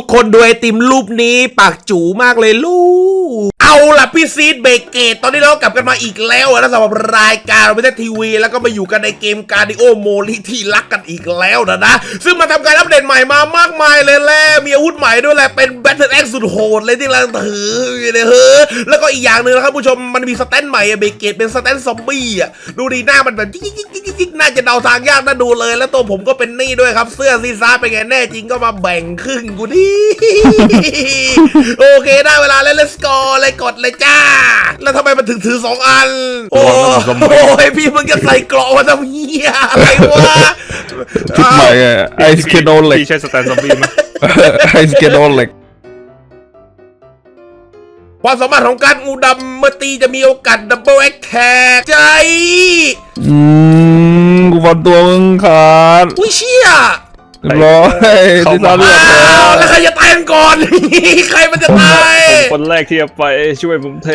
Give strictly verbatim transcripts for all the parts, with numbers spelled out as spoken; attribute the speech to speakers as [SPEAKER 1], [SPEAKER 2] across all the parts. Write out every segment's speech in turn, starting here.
[SPEAKER 1] คนดูไอติมรูปนี้ปากจูมากเลยลูกเอาล่ะพี่ซีดเบเกตตอนนี้เรากลับกันมาอีกแล้วนะสำหรับรายการเราไม่ได้ทีวีแล้วก็มาอยู่กันในเกมการดิโอโมลิที่รักกันอีกแล้วนะนะซึ่งมาทำการอัปเดตใหม่มามากมายเลยแหละมีอาวุธใหม่ด้วยแหละเป็นแบทเทิลแอ็กซ์สุดโหดเลยที่เราถือเนี่ยเฮ้อแล้วก็อีกอย่างหนึ่งนะครับผู้ชมมันมีสแตนใหม่เบเกตเป็นสแตนซอมบี้อ่ะดูดีหน้ามันแบบจิ๊กๆๆๆน่าจะเดาทางยากน่าดูเลยแล้วตัวผมก็เป็นนี่ด้วยครับเสื้อซีซ่าเป็นไงแน่จริงก็มาแบ่งครึ่งกูดิโอเคได้เวลาแล้ว let's go เลยกดเลยจ้าแล้วทำไมมันถึงถือสองอันโอ้ยพี่มึงจะใส่เกราะมาทำเหี้ยอะไรวะ
[SPEAKER 2] ชุดใหม่ไอสเกโดเล็ก
[SPEAKER 3] ใช่สแตนซอมบี้ไหม
[SPEAKER 2] ไอสเกโดเล็ก
[SPEAKER 1] ความสามารถของการงูดำเมื่อตีจะมีโอกาสดับเบิลแอคแท็กใจ
[SPEAKER 2] อืมกูฟันตัวมึงขาด
[SPEAKER 1] อุ้ยเชี่ย
[SPEAKER 2] ร้อยที่ตาเลือด
[SPEAKER 1] แล้วใครจะตายก่อนใครมันจะตาย
[SPEAKER 3] ผมคนแรกที่จะไปช่วยผมเท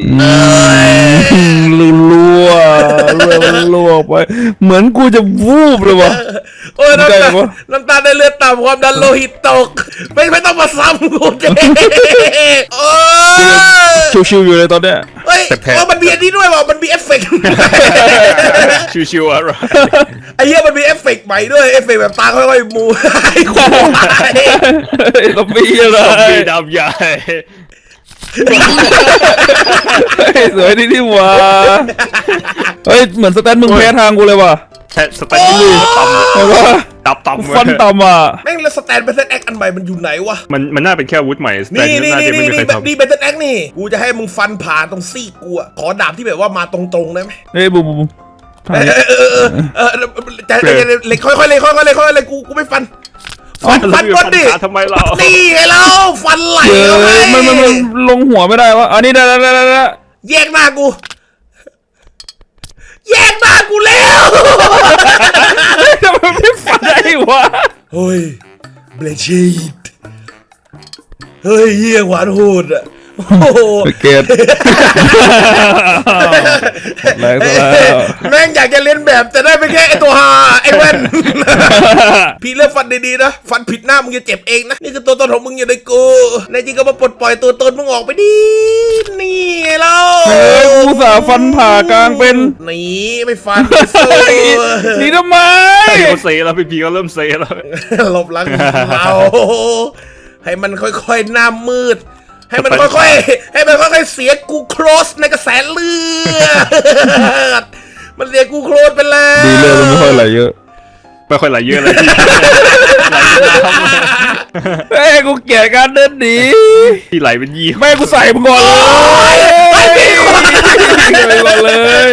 [SPEAKER 2] ลั่วลั่วลั่วไปเหมือนกูจะวูบเลยวะ
[SPEAKER 1] โอ้ยน้ำตาน้ำตาในเลือดต่ำความดันโลหิตตกไม่ไม่ต้องมาซ้ำกูเจ๊โอ้
[SPEAKER 2] ยชิวๆอยู่เลยตอนเนี้ย
[SPEAKER 1] เฮ้ยว่ามันมีอันนี้ด้วยว่ะมันมีเอฟเฟกต์
[SPEAKER 3] ชิวๆอะไร
[SPEAKER 1] ไอ้เหี้ยมันมีเอฟเฟกต์ใหม่ด้วยเอฟเฟกต์แบบตาค่อยๆมูไอ้ควาย
[SPEAKER 2] ตบปีอะไร
[SPEAKER 3] ตบปีดำใหญ่
[SPEAKER 2] สวยดีนี่วะเฮ้ยเหมือนสแตนมึงแพ้ทางกูเลยว่ะ
[SPEAKER 3] สแตนนี่ต่ำ
[SPEAKER 2] เลยว่า
[SPEAKER 3] ตับต่ำ
[SPEAKER 2] ฟันต่ำอ่ะ
[SPEAKER 1] แม่งแล้วสแตนเบทเทิลแอคอันใหม่มันอยู่ไหนวะ
[SPEAKER 3] มันมันน่าเป็นแค่อาวุธใหม่
[SPEAKER 1] นี่นี่นี่นี่นี่นี่เบทเทิลแอคนี่กูจะให้มึงฟันผ่านตรงซี่กูอ่ะขอดาบที่แบบว่ามาตรงๆได้ไหม
[SPEAKER 2] เฮ้ยบูบู
[SPEAKER 1] เออเออเออเออใจเล็กค่อยๆเลยค่อยๆเลยค่อยๆเลยกูกูไม่ฟันฟันฟันก่อนดิ
[SPEAKER 3] ทำไมเรา
[SPEAKER 1] นี่ไงเราฟันไหล
[SPEAKER 2] มันมันมันลงหัวไม่ได้วะอันนี้ได้ได้ได้ได้
[SPEAKER 1] แยกหน้ากูแยกหน้ากูแล้ว
[SPEAKER 2] ทำไมไม่ฟันได้วะ
[SPEAKER 1] เฮ้ยเบลชีดเฮ้ยเยี่ยหวานโหดอ่ะโอ้โห
[SPEAKER 2] เกตแรงแล้ว
[SPEAKER 1] แม่งอยากจะเล่นแบบแต่ได้ไปแค่ไอตัวฮาไอเว้นพี่เลือกฟันดีๆนะฟันผิดหน้ามึงจะเจ็บเองนะนี่คือตัวตนของมึงอยู่ในกูในจริงก็มาปลดปล่อยตัวตนมึงออกไปดินี่ไงเรา
[SPEAKER 2] เฮ้ยกูสาฟันผ่ากลางเป็น
[SPEAKER 1] นี่ไม่ฟัน
[SPEAKER 2] นี่ทำไม
[SPEAKER 3] เขาเซแล้วพี่พีก็เริ่มเซแล้ว
[SPEAKER 1] หลบหลังเราให้มันค่อยๆหน้ามืดให้มันค่อยๆให้มันค่อยๆเสียกูโครสในกระแสเลือดมันเสียกูโครสไปแล้ว
[SPEAKER 2] ดีเลยมันไม่ค่อยไหลเยอะ
[SPEAKER 3] ไม่ค่อยไหลเยอะเลย
[SPEAKER 2] เฮ้ยกูเกลียดการเดินหนี
[SPEAKER 3] ที่ไหลเป็นยี่
[SPEAKER 2] แม่กูใส่มึงก่อนเลยก่อนเลย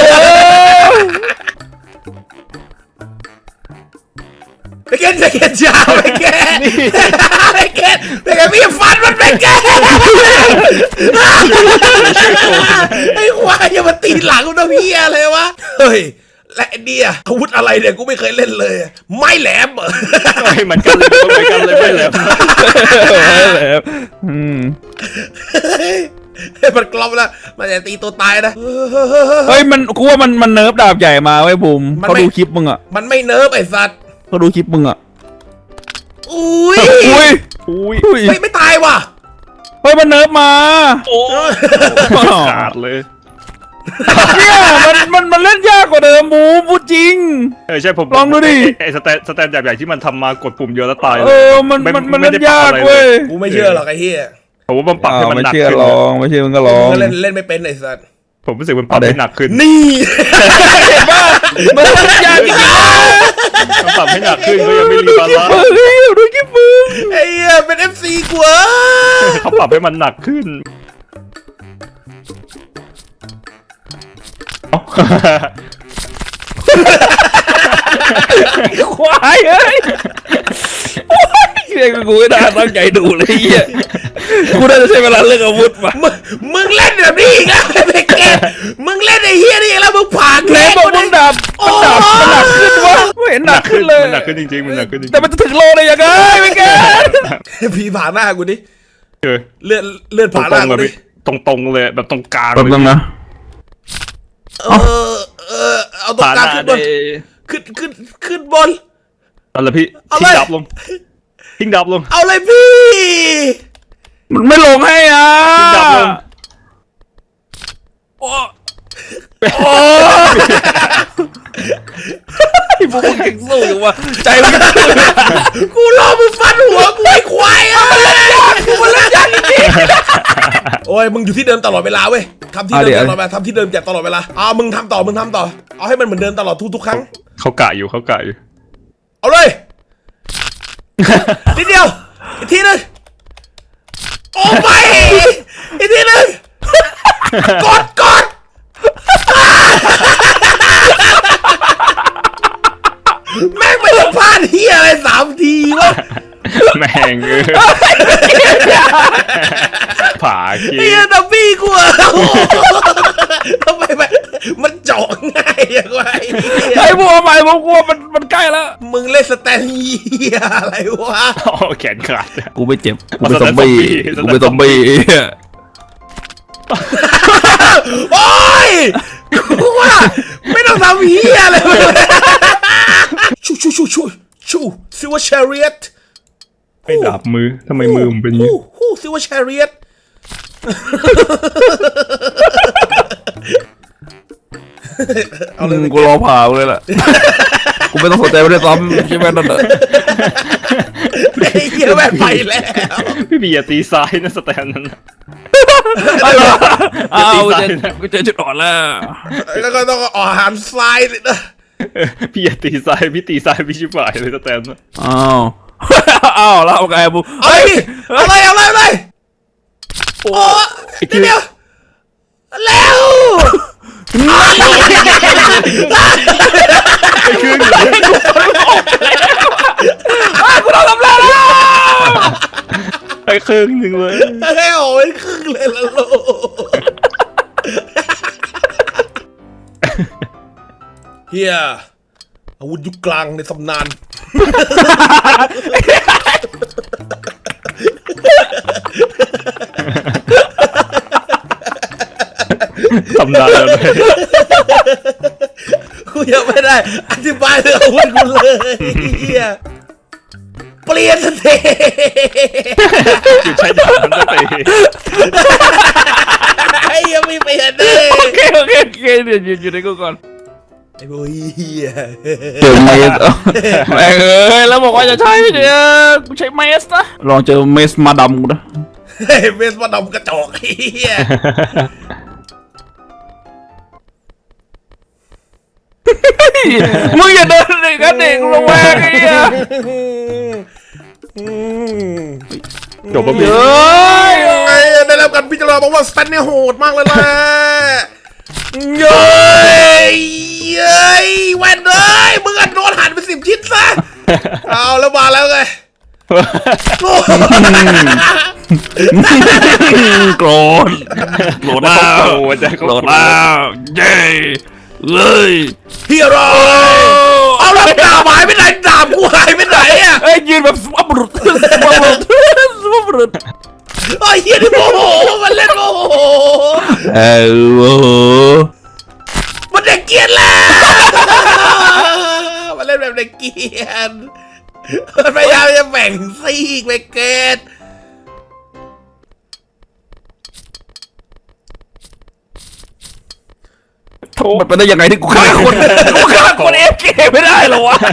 [SPEAKER 1] ไปเกนไปเกนจ้าไปเกนไปเกนไปเกนพี่ฟันมันไปเกนไอ้ควายอย่ามาตีหลังกูนะพี่อะไรวะเฮ้ยและเนี่ยอาวุธอะไรเนี่ยกูไม่เคยเล่นเลยไม้แหลมเหรอ
[SPEAKER 3] ไม่มันกันเลยไม่กันเลยไม่แหลม
[SPEAKER 2] ไม่แหลมอืม
[SPEAKER 1] มันกลอมแล้วมันจะตีตัวตายนะ
[SPEAKER 2] เฮ้ยมันกูว่ามันมันเนิร์ฟดาบใหญ่มาไว้บุ๋มเขาดูคลิปมึงอ่ะ
[SPEAKER 1] มันไม่เนิร์ฟไอ้สัตว์
[SPEAKER 2] เขาดูคลิปมึงอ่ะ
[SPEAKER 1] อุ้ย
[SPEAKER 2] อุ้ย
[SPEAKER 1] อุ้ยไม่ไม่ตายว่ะ
[SPEAKER 2] เฮ้ยมันเนิร์ฟมา
[SPEAKER 3] โอ้ขาดเลย
[SPEAKER 2] เนี่ยมันมันมันเล่นยากกว่าเดิมบูบูจริง
[SPEAKER 3] เออใช่ผม
[SPEAKER 2] ลองดูดิ
[SPEAKER 3] ไอ้สแตนสแตนแบบใหญ่ที่มันทำมากดปุ่มเยอะแล้วตาย
[SPEAKER 2] เออมันมันมันเล่นยากเว้ย
[SPEAKER 1] กูไม่เชื่อหรอกไอ้เหี้ย
[SPEAKER 3] ผมว่ามันปรับให้มันหนัก
[SPEAKER 2] ขึ้นลองไม่เชื่อมึงก็ลอง
[SPEAKER 1] เล่นเล่นไม่เป็นไอ้สัตว์
[SPEAKER 3] ผมรู้สึกมันปรับให้หนักขึ้น
[SPEAKER 1] นี่
[SPEAKER 2] บ้ามันเล่นยากจริง
[SPEAKER 3] ๆมันปรับให้หนักขึ้นก็ยังไม่รีบาลานซ์
[SPEAKER 2] ดูคลิปมึง
[SPEAKER 1] ไอ้เหี้ยเป็น เอฟ ซี กว่า
[SPEAKER 3] เขาปรับให้มันหนักขึ้น
[SPEAKER 2] ควายเอ้ยเรียกกูไม่ได้ตั้งใจดูเลยเหี้ยกูน่าจะใช้เวลาเลือกอาวุธมา
[SPEAKER 1] มึงเล่นแบบนี้อีกแล้วไอ้เกมมึงเล่นไอ้เหี้ยนี่แล้วมึงผ่าน
[SPEAKER 2] แล้บอกมึงดับมันดับมันหนักขึ้นวะไม่เห็นหนักขึ้นเลย
[SPEAKER 3] หนักขึ้นจริงๆมันหนักขึ้นจริง
[SPEAKER 2] แต่มันจะถึงโลเลยยังไงไม่แก
[SPEAKER 1] พี่ผ่านหน้ากูดิเลื่อนเลื่อนผ่านหน้ากูดิ
[SPEAKER 3] ตรงๆเลยแบบตรงกลาง
[SPEAKER 2] แบบนั้นนะ
[SPEAKER 1] เออเออเอาตรงกลางขึ้นบนขึ้นขึ้นขึ้นบน
[SPEAKER 3] เอาเลยพี่ทิ้งดับลงทิ้งดับลง
[SPEAKER 1] เอาเลยพี่
[SPEAKER 2] มันไม่ลงให้อ่ะ
[SPEAKER 3] ดับลง
[SPEAKER 2] โอ้โอ้ยพวกมึงเก่งสู้อยู่วะใจมัน
[SPEAKER 1] กูรอมึงฟันหัวกูไอ้ควายอ่ะกูมันเล่นยากจริงๆโอ้ยมึงอยู่ที่เดิมตลอดเวลาเว้ยทำที่เดิมตลอดเวลาทำที่เดิมแจกตลอดเวลาอ่ามึงทำต่อมึงทำต่อเอาให้มันเหมือนเดิมตลอดทุกๆครั้ง
[SPEAKER 3] เขากะอยู่เขากะอยู่
[SPEAKER 1] เอาเลยนิดเดียวอีกทีนึงโอ้ไม่อีกทีนึงกดกดแม่งไม่ต้องพลาดเฮียอะไรสามทีวะ
[SPEAKER 3] แม่งเออผาขี้
[SPEAKER 1] เฮียดับบี้กูอะทำไมมันมันเจาะง่ายอย่างไร
[SPEAKER 2] ไอ้พวกใหม่ผมกลัวมันมันใกล้แล้ว
[SPEAKER 1] มึงเล่นสแตนเฮียอะไรวะ
[SPEAKER 3] อ๋อแขนขาด
[SPEAKER 2] กูไม่เจ็บกูเป็นซอมบี้กูเป็นซอมบี้
[SPEAKER 1] โอ้ยกูว่าไม่ต้องทำเฮียอะไรเลยชูชูชูชูชูซิวเชเรียต
[SPEAKER 3] ไอ้ดาบมือทำไมมือมันเป็นอย่างนี้
[SPEAKER 1] ฮู้ฮู้ซิวเชเรียตเอาเลย
[SPEAKER 2] กูรอผ่าเลยล่ะกูไม่ต้องสนใจไม่ได้ซ้ำใช่ไหมนั่นแหละ
[SPEAKER 1] ไอ้เหี้ยแม่งไปแล้ว
[SPEAKER 3] พี่บีอย่าตีซ้ายนะสแตนนั้นน่ะ
[SPEAKER 2] อ้าวเจอกูเจอจุดอ่อนแล้ว
[SPEAKER 1] แล้วก็ต้องออกหันซ้ายสินะ
[SPEAKER 3] พี่อย่าตีซ้ายพี่ตีซ้ายพี่ชิบหายเลยสแตนน่ะ
[SPEAKER 2] อ้าวอ้าวแล้วเอาไงบู
[SPEAKER 1] เอาเลยเอาเลยเอาเลยเอาเลยโอ้ยเดี๋ยวเร็ว
[SPEAKER 3] ไอ้ครึ่งเลย
[SPEAKER 2] กูโดนทำร้ายแล้ว
[SPEAKER 3] ไอ้ครึ่งหนึ่งเลย
[SPEAKER 1] เฮ้ยโอ้ยครึ่งเลยละลูกเฮียอาวุธยุคกลางในตำนาน
[SPEAKER 3] ทำได้แล้วเลย
[SPEAKER 1] กูยังไม่ได้อธิบายเรื่องอาวุธกูเลยเฮียเปลี่ยนสเต
[SPEAKER 3] หยุดใช้ดาบมันก็ตี
[SPEAKER 1] ไอ้ยังไม่เปลี่ยนเลย
[SPEAKER 2] โอเคโอเคโอเคเดี๋ยวอยู่ในกูก่อน
[SPEAKER 1] ไอ้โว้ยเฮีย
[SPEAKER 2] เจอเมสแม่งเอ้ยแล้วบอกว่าจะใช้เนี่ยกูใช้เมสนะลองเจอเมสมาดำกูนะ
[SPEAKER 1] เฮ้ยเมสมาดำกระจอกเฮีย
[SPEAKER 2] มึงอย่าเดินเลยกันเด็กลงแวกไอ้เหี้ย
[SPEAKER 3] จบปะพี่
[SPEAKER 2] เฮ้ย
[SPEAKER 1] ไอ้ได้รับการพิจารณาบอกว่าสแตนเนี่ยโหดมากเลยแหละเย้ยเย้ยแวนเอ้ยมึงอัดโดนหันไปสิบชิ้นซะเอาแล้วมาแล้วไงโอ้
[SPEAKER 2] โกรธโกรธแล้ว
[SPEAKER 3] โอ้ยใจเขา
[SPEAKER 2] โกรธแล้วเย้เลย
[SPEAKER 1] ฮีโร่เอาแล้วดาบหายไปไหนดาบกูหายไปไหนอ่ะ
[SPEAKER 2] เอ้ยยืนแบบสวับรุดสวับรุดสวับรุด
[SPEAKER 1] ไอ้เฮียนี่โมโหมันเล่นโมโห
[SPEAKER 2] เออโอ้โห
[SPEAKER 1] มันเด็กเกียนแล้วมันเล่นแบบเด็กเกียนมันพยายามจะแบ่งซีกไปเกต
[SPEAKER 2] มันเป็นได้ยังไงที่กูฆ่าคนกูฆ่าคนเอฟเกไม่ได้หรอวะ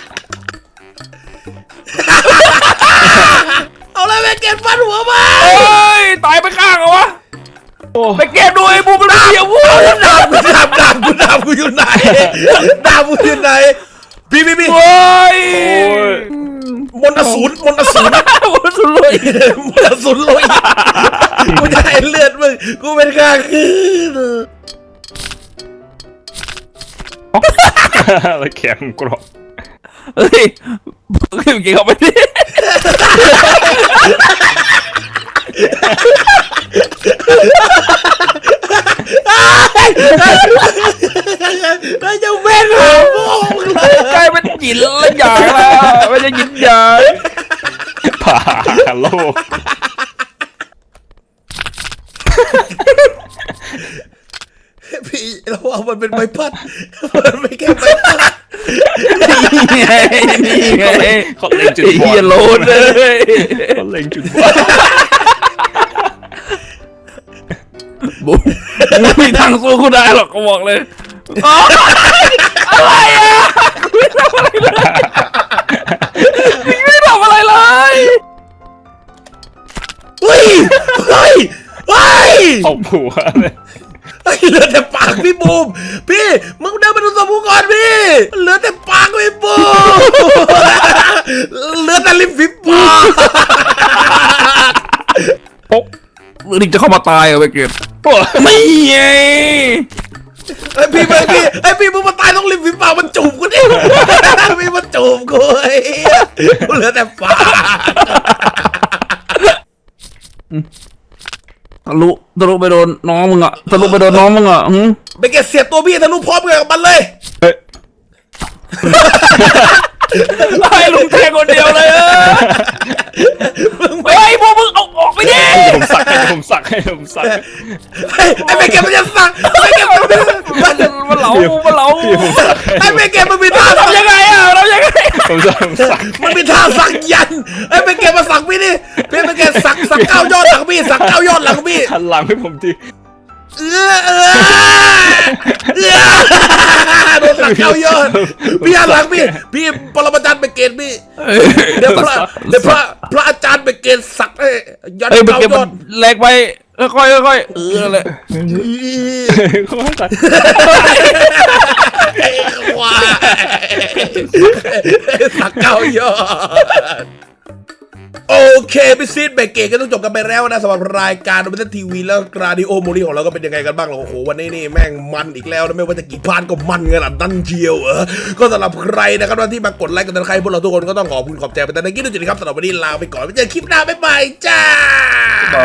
[SPEAKER 1] เอาเลยไปเก็บฟันหัวมา
[SPEAKER 2] เฮ้ยตายไปข้างเหรอวะไปเก็บด้วยบูมันเดียววู้
[SPEAKER 1] ดาบกูดาบดาบกูดาบกูอยู่ไหนดาบกูอยู่ไหนพี่พี่พี่
[SPEAKER 2] เฮ้ย
[SPEAKER 1] มนต์อสูรมนต์อสูร
[SPEAKER 2] มันสุดเลย
[SPEAKER 1] มนต์อสูรลอยกูจะให้เลือดมึงกูเป็นข้าคืน
[SPEAKER 3] แล้วแขนมันกรอบ
[SPEAKER 2] เฮ้ยเก่งเข้าไปดิ
[SPEAKER 1] ไอ้เจ้าแม่งหาโมงเลย
[SPEAKER 2] กลายเป็นหยินละอย่างละไม่ใช่หยินหยาง
[SPEAKER 3] ผ่าโลก
[SPEAKER 1] พี่เราเอามันเป็นใบพัดมันไม่แค่ใบพัด
[SPEAKER 2] นี่ไงนี่ไง
[SPEAKER 3] เขาเล่นจุด
[SPEAKER 2] ไอ้
[SPEAKER 3] บอ
[SPEAKER 2] เฮีย
[SPEAKER 3] ล
[SPEAKER 2] โลนเลย
[SPEAKER 3] เขาเล็งจุดว่า
[SPEAKER 2] บูมมึงไม่มีทางสู้กูได้หรอกกูบอกเลยอ๋ออะไรอ่ะกูไม่ทำอะไรเลยกูไม่ทำอะไรเลย
[SPEAKER 1] เฮ้ยเฮ้ยเฮ้ย
[SPEAKER 3] เอาผัวเลย
[SPEAKER 1] เฮ้ยเหลือแต่ปากพี่บูมพี่มึงเดินมาดูสมุกก่อนพี่เหลือแต่ปากพี่บูมเหลือแต่ริมฝีปาก
[SPEAKER 2] โอ๊ะมึงนี่จะเข้ามาตายเหรอไปเก็บไม่ไง
[SPEAKER 1] ไอพี่มึงพี่ไอพี่มึงมาตายต้องริมฝีปากมันจูบกูดิพี่มาจูบกูไอ้เหี้ยกูเหลือแต่ปาก
[SPEAKER 2] ทะลุทะลุไปโดนน้องมึงอ่ะทะลุไปโดนน้องมึงอ่ะหืม
[SPEAKER 1] ไปเก็บเสียบตัวพี่ทะลุพร้อมกันกับมันเลย
[SPEAKER 3] เฮ้ย
[SPEAKER 2] ให้ลุงแทงคนเดียวเลยเออเฮ้ยพวกมึงเอาออกไปดิ
[SPEAKER 3] ผมสักให้ผมสักให้ผมสัก
[SPEAKER 1] ไอ้ไอ้ไปเก็บมันจะสั่งไอ้เก็บมันมัน
[SPEAKER 2] มันมันเหลามันเหลา
[SPEAKER 1] ไอ้ไปเก็บมันมีท่า
[SPEAKER 2] ทำยังไงอ่ะทำยังไง
[SPEAKER 3] ผมสักผมสัก
[SPEAKER 1] มันมีท่าสักยันไอ้ไปเก็บมาสั่งพี่นี่พี่ไปเก็บสักสักเก้ายอดหลังพี่สักเก้ายอดหลังพี่
[SPEAKER 3] หันหลังให้ผมที
[SPEAKER 1] เออเออเออโดนสักเก้ายอดพี่หันหลังพี่พี่ปรมาจารย์ไปเกณฑ์พี่เดี๋ยวพระเดี๋ยวพระพระอาจารย์ไปเกณฑ์สักให้ยัน
[SPEAKER 2] เฮ้ยมัน
[SPEAKER 1] เก้า
[SPEAKER 2] เก็บ
[SPEAKER 1] ย
[SPEAKER 2] มั
[SPEAKER 1] อด
[SPEAKER 2] นแหลกไปค่อยๆค่อยๆเออเลย
[SPEAKER 3] เขาสัก
[SPEAKER 1] ไอ้ควายสักเก้ายอดโอเคพี่ซีดเบรกเกตก็ต้องจบกันไปแล้วนะสำหรับรายการโดมิเตอร์ทีวีแล้วกราดิโอโมลีของเราก็เป็นยังไงกันบ้างล่ะโอ้โหวันนี้นี่แม่งมันอีกแล้วนะไม่ว่าจะกี่พานก็มันขนาดนั้นเชียวเออก็สำหรับใครนะครับที่มากดไลค์กดติดตามใครพวกเราทุกคนก็ต้องขอบคุณขอบใจไปแต่ในคลิปนี้ครับสำหรับวันนี้ลาไปก่อนไว้เจอคลิปหน้าบ๊ายบายจ้า